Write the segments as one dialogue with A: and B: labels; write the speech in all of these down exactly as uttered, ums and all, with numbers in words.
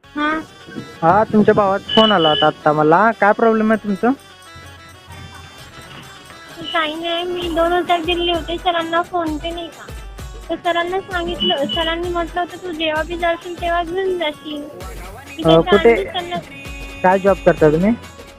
A: हा
B: हा तुमच्या भावाचा फोन आला होता आता मला. काय प्रॉब्लेम आहे तुमचं?
A: काही नाही, मी दोन हजार दिले होते सरांना फोन पे नाही का, तर सरांना सांगितलं, सरांनी म्हटलं होतं तू जेव्हा बी जाशील तेव्हा घेऊन जाशील. मी
B: अ,
A: त्याच्या
B: कुठे
A: आधी त्यांना
B: काय जॉब करता तुम्ही?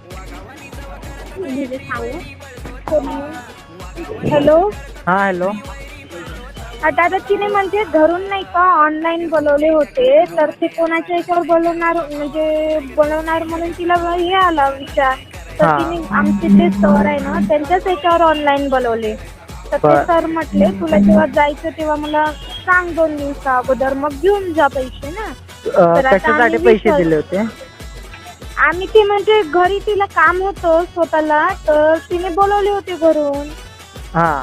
A: म्हणजे सांगू. हॅलो.
B: हा हॅलो.
A: आता आता तिने म्हणजे घरून नाही का ऑनलाईन बोलवले होते, तर ते कोणाच्या याच्यावर बोलवणार म्हणजे बोलवणार म्हणून तिला हे आला विचार, तर
B: हा
A: तिने आमचे ते सर आहे ना त्यांच्याच याच्यावर ऑनलाईन बोलवले. तर ते
B: बर
A: सर म्हटले तुला जेव्हा जायचं तेव्हा मला सांग दोन दिवसा अगोदर, मग घेऊन जा पैसे ना.
B: अ,
A: तर आता
B: कशासाठी
A: आम्ही
B: पैसे
A: विचार
B: दिले होते?
A: आम्ही ते म्हणजे घरी तिला काम होतं स्वतःला, तर तिने बोलवले होते घरून.
B: हा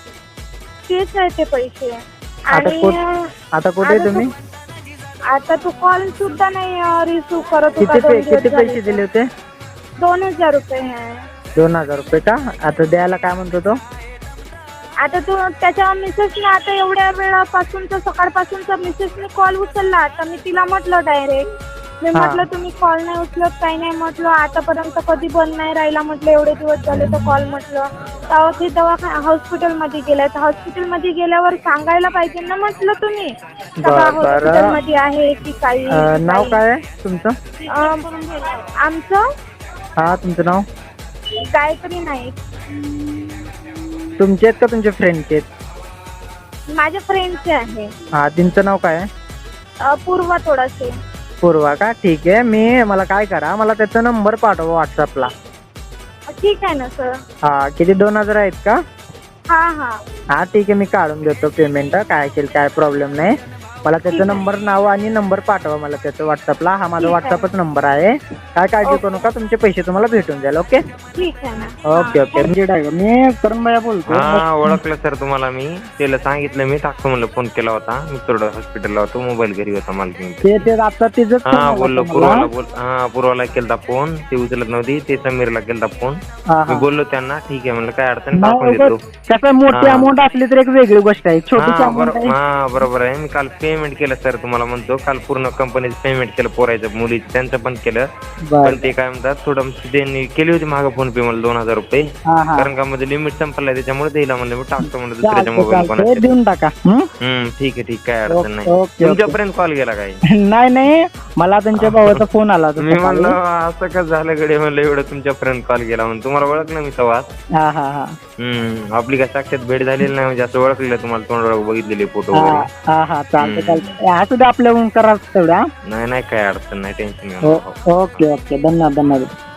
A: तेच आहे ते पैसे.
B: आता
A: आणि
B: कुठ आता कुठे आहे
A: आता तू
B: तुम्ही?
A: आता तू कॉल सुद्धा नाही रिसिव्ह करत होता
B: किती पे
A: दोन दिवस
B: किती
A: झाले
B: पैसे
A: तर.
B: दिले होते?
A: दोन हजार रुपये आहे.
B: दोन हजार रुपये का? आता द्यायला काय म्हणतो तो?
A: आता तू त्याच्या मिसेसने आता एवढ्या वेळापासूनचा सकाळपासूनचा मिसेसने कॉल उचलला. आता मी तिला म्हटलं डायरेक्ट, मी
B: हा
A: म्हटलं तुम्ही कॉल नाही उचलत काही नाही म्हटलं, आतापर्यंत कधी बंद नाही राहिला म्हटलं, एवढे दिवस झाले तर कॉल म्हटलं. तेव्हा ते दवाखाना हॉस्पिटलमध्ये गेल्या, तर हॉस्पिटलमध्ये गेल्यावर सांगायला पाहिजे ना म्हटलं तुम्ही का
B: बर बरं.
A: हॉस्पिटलमध्ये आहे की काही
B: अ,
A: की
B: नाव
A: काही.
B: काय आहे तुमचं?
A: अं, आमचं
B: हा तुमचं नाव?
A: गायत्री नाईक.
B: तुमचे आहेत का तुमच्या फ्रेंडचे आहेत?
A: माझ्या फ्रेंडचे आहे.
B: हा त्यांचं नाव काय आहे?
A: अं, पूर्वा थोडासे.
B: पूर्वा का? ठीक आहे. मी मला काय करा, मला त्याचा नंबर पाठवा व्हॉट्सअपला.
A: ठीक आहे ना सर.
B: हा किती दोन हजार आहेत का?
A: हां हां
B: हा ठीक आहे, मी काढून देतो पेमेंट. काय असेल काय प्रॉब्लेम नाही. मला
A: ठीक
B: त्याचा
A: आहे.
B: नंबर नाव आणि नंबर पाठवा मला त्याचं व्हॉट्सअपला. हा माझा
A: ठीक आहे.
B: व्हॉट्सअपच नंबर आहे. काय काळजी करू नका, तुमचे पैसे तुम्हाला भेटून जाईल. ओके
A: ठीक आहे ना.
B: Okay okay. म्हणजे ड्रायव्हर मी करण भैया बोलतो.
C: हा ओळखलं सर तुम्हाला मी. त्याला सांगितलं मी टाकतो म्हणलं, फोन केला होता मी थोडं हॉस्पिटलला होतो, मोबाईल घरी होता मला घेऊन.
B: ते ते आता तिचंच फोन
C: हा
B: आला
C: बोललो
B: होता
C: पूर्वाला
B: मला.
C: बोल हा पूर्वाला केलता फोन, ते उचलत नव्हती. ते समीरला केलता फोन.
B: हा
C: मी
B: हा
C: बोललो त्यांना ठीक आहे म्हणलं, काय अडचण नाही,
B: नाही
C: टाकून
B: उगाच
C: देतो.
B: कसं मोठी
C: हा.
B: अमाऊंट असली तर एक वेगळी गोष्ट आहे, छोटीशी
C: हा
B: अमाऊंट
C: बरोबर
B: आहे.
C: हा बरोबर आहे. मी काल पेमेंट केलं सर, तुम्हाला म्हणतो काल पूर्ण कंपनीचं पेमेंट केलं, पोरायचं मुलीचं त्यांचं पण केलं.
B: बरं
C: पण ते काय म्हणतात थोडं त्यांनी केली होती मागं फोन पे मला दोन हजार रुपये,
B: हा हा
C: कारण का मध्ये लिमिट संपलाय त्याच्यामुळे द्यायला म्हणलं मी टाकतो म्हणलं दुसऱ्याच्या
B: चालतंय
C: मोबाईल
B: चालतंय
C: कोणाच्या.
B: देऊन टाका. हं?
C: हम्म ठीक आहे ठीक काय अडचण
B: ओके,
C: नाही.
B: ओके.
C: तुमच्यापर्यंत कॉल गेला काय?
B: नाही नाही मला त्यांच्या भावाचा फोन आला होता
C: मी
B: सकाळी.
C: म्हणलं असं कसं झालं गडे, म्हणलं एवढं तुमच्यापर्यंत कॉल गेला म्हणून. तुम्हाला ओळखलं मी तेव्हा.
B: हा हा हा
C: हम्म आपली काय साक्षात भेट झालेली नाही, म्हणजे असं ओळखलेलं तुम्हाला, तोंडावर बघितलेले फोटो
B: हा
C: वगैरे.
B: हा हा चालतंय
C: हम्म.
B: चालतंय. असू दे आपल्या करा तेवढ्या.
C: नाही नाही काय अडचण नाही, टेन्शन घेऊ
B: हो
C: नका.
B: ओके ओके धन्यवाद धन्यवाद.